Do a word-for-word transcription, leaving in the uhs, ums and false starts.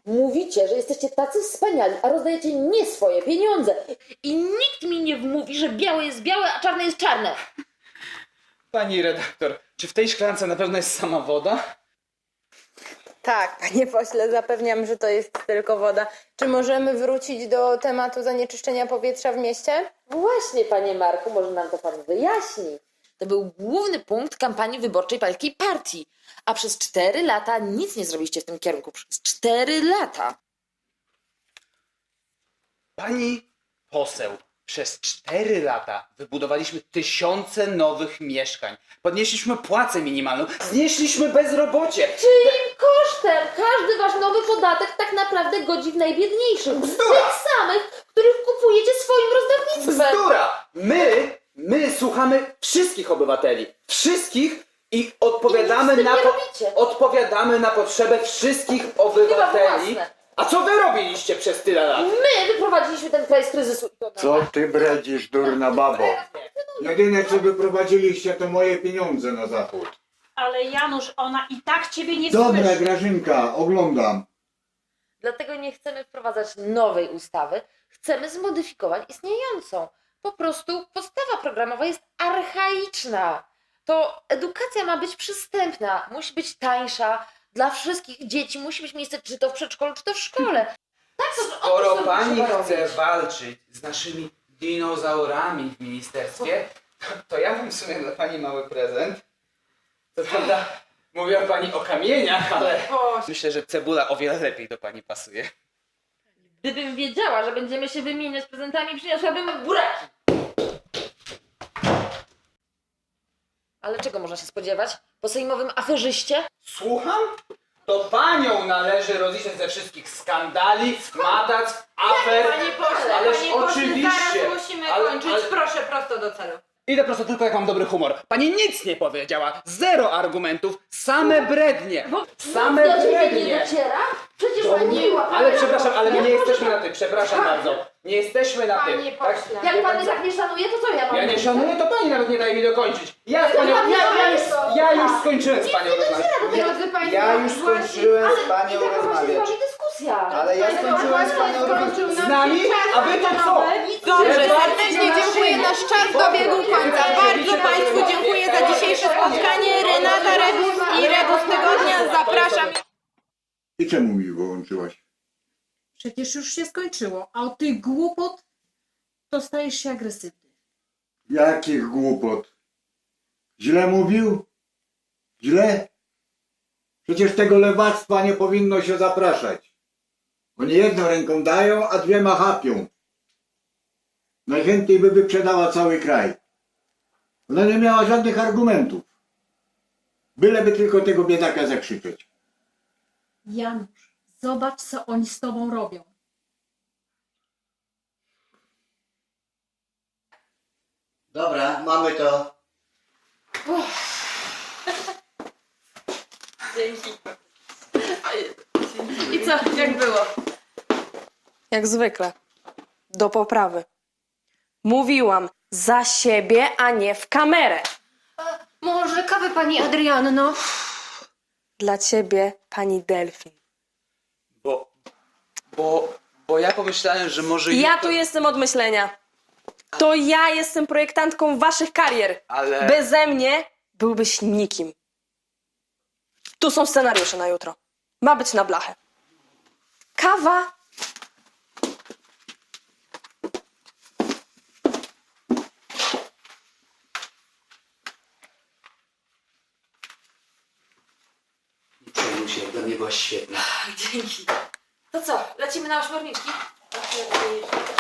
Mówicie, że jesteście tacy wspaniali, a rozdajecie nie swoje pieniądze. I nikt mi nie wmówi, że białe jest białe, a czarne jest czarne. Pani redaktor, czy w tej szklance na pewno jest sama woda? Tak, panie pośle, zapewniam, że to jest tylko woda. Czy możemy wrócić do tematu zanieczyszczenia powietrza w mieście? Właśnie, panie Marku, może nam to pan wyjaśni. To był główny punkt kampanii wyborczej pańskiej partii. A przez cztery lata nic nie zrobiliście w tym kierunku. Przez cztery lata. Pani poseł, przez cztery lata wybudowaliśmy tysiące nowych mieszkań. Podnieśliśmy płacę minimalną, znieśliśmy bezrobocie. Czyim kosztem? Każdy wasz nowy podatek tak naprawdę godzi w najbiedniejszych. Bzdura! Tych samych, których kupujecie swoim rozdawnictwem. Bzdura! My, my słuchamy wszystkich obywateli. Wszystkich i odpowiadamy I nic z tym na, nie po, robicie. odpowiadamy na potrzebę wszystkich obywateli. własne. A co wy robiliście przez tyle lat? My wyprowadziliśmy ten kraj z kryzysu. Co ty bredzisz, durna babo? Jedyne co wyprowadziliście to moje pieniądze na zachód. Ale Janusz, ona i tak ciebie nie Dobra, słyszy. Grażynka, oglądam. Dlatego nie chcemy wprowadzać nowej ustawy. Chcemy zmodyfikować istniejącą. Po prostu podstawa programowa jest archaiczna. To edukacja ma być przystępna, musi być tańsza dla wszystkich dzieci, musi być miejsce czy to w przedszkolu, czy to w szkole. Tak, to, o Skoro to pani trzeba chce robić. walczyć z naszymi dinozaurami w ministerstwie, to, to ja mam w sumie dla pani mały prezent. Co prawda mówiła pani o kamieniach, ale myślę, że cebula o wiele lepiej do pani pasuje. Gdybym wiedziała, że będziemy się wymieniać prezentami, przyniosłabym buraki. Ale czego można się spodziewać? Po sejmowym aferzyście? Słucham? To panią należy rozliczać ze wszystkich skandali, matactw, afer. Panie pośle, Ależ panie pośle, oczywiście. zaraz musimy Ale- kończyć. ale- Proszę, prosto do celu. Idę prosto tylko jak mam dobry humor. Pani nic nie powiedziała. Zero argumentów. Same brednie. Same Do ciebie nie brednie. dociera? Przecież To pani nie, była. ale pani przepraszam, ale my nie była. jesteśmy na tym. Przepraszam bardzo. Nie jesteśmy na tym. Panie pośle. Jak Wie pan pan mnie co? tak nie szanuje, to co ja mam Ja nie mówić? szanuję, to pani nawet nie daje mi dokończyć. Ja z panią, ja, ja, już, ja już skończyłem z panią rozmawiać. Drodzy państwo, Ja już właśnie- skończyłem z Ale panią i taka właśnie z rozmawiać. wami dyskusja. Ale ja skończyłem z panią rozmawiać. Z nami? A wy to co? Dobrze, Ja serdecznie bardzo dziękuję. Nasz czas dobiegł końca. Bardzo Państwu dziękuję za dzisiejsze spotkanie. Renata Rebus i Rebus Tygodnia. Zapraszam. I czemu mi wyłączyłaś? Przecież już się skończyło, a od tych głupot to stajesz się agresywny. Jakich głupot? Źle mówił? Źle? Przecież tego lewactwa nie powinno się zapraszać. Oni jedną ręką dają, a dwiema chapią. Najchętniej by wyprzedała cały kraj. Ona nie miała żadnych argumentów. Byleby tylko tego biedaka zakrzyczeć. Janusz, zobacz, co oni z tobą robią. Dobra, mamy to. I co, jak było? Jak zwykle. Do poprawy. Mówiłam za siebie, a nie w kamerę. Może kawę pani Adrianno? Dla ciebie, pani Delfin. Bo, bo, bo ja pomyślałem, że może... Ja jutro- tu jestem od myślenia. To ja jestem projektantką waszych karier. Ale... Beze mnie byłbyś nikim. Tu są scenariusze na jutro. Ma być na blachę. Kawa. Nie przejmuj się, dla mnie była świetna. Dzięki. To co, lecimy na ośmiorniczki?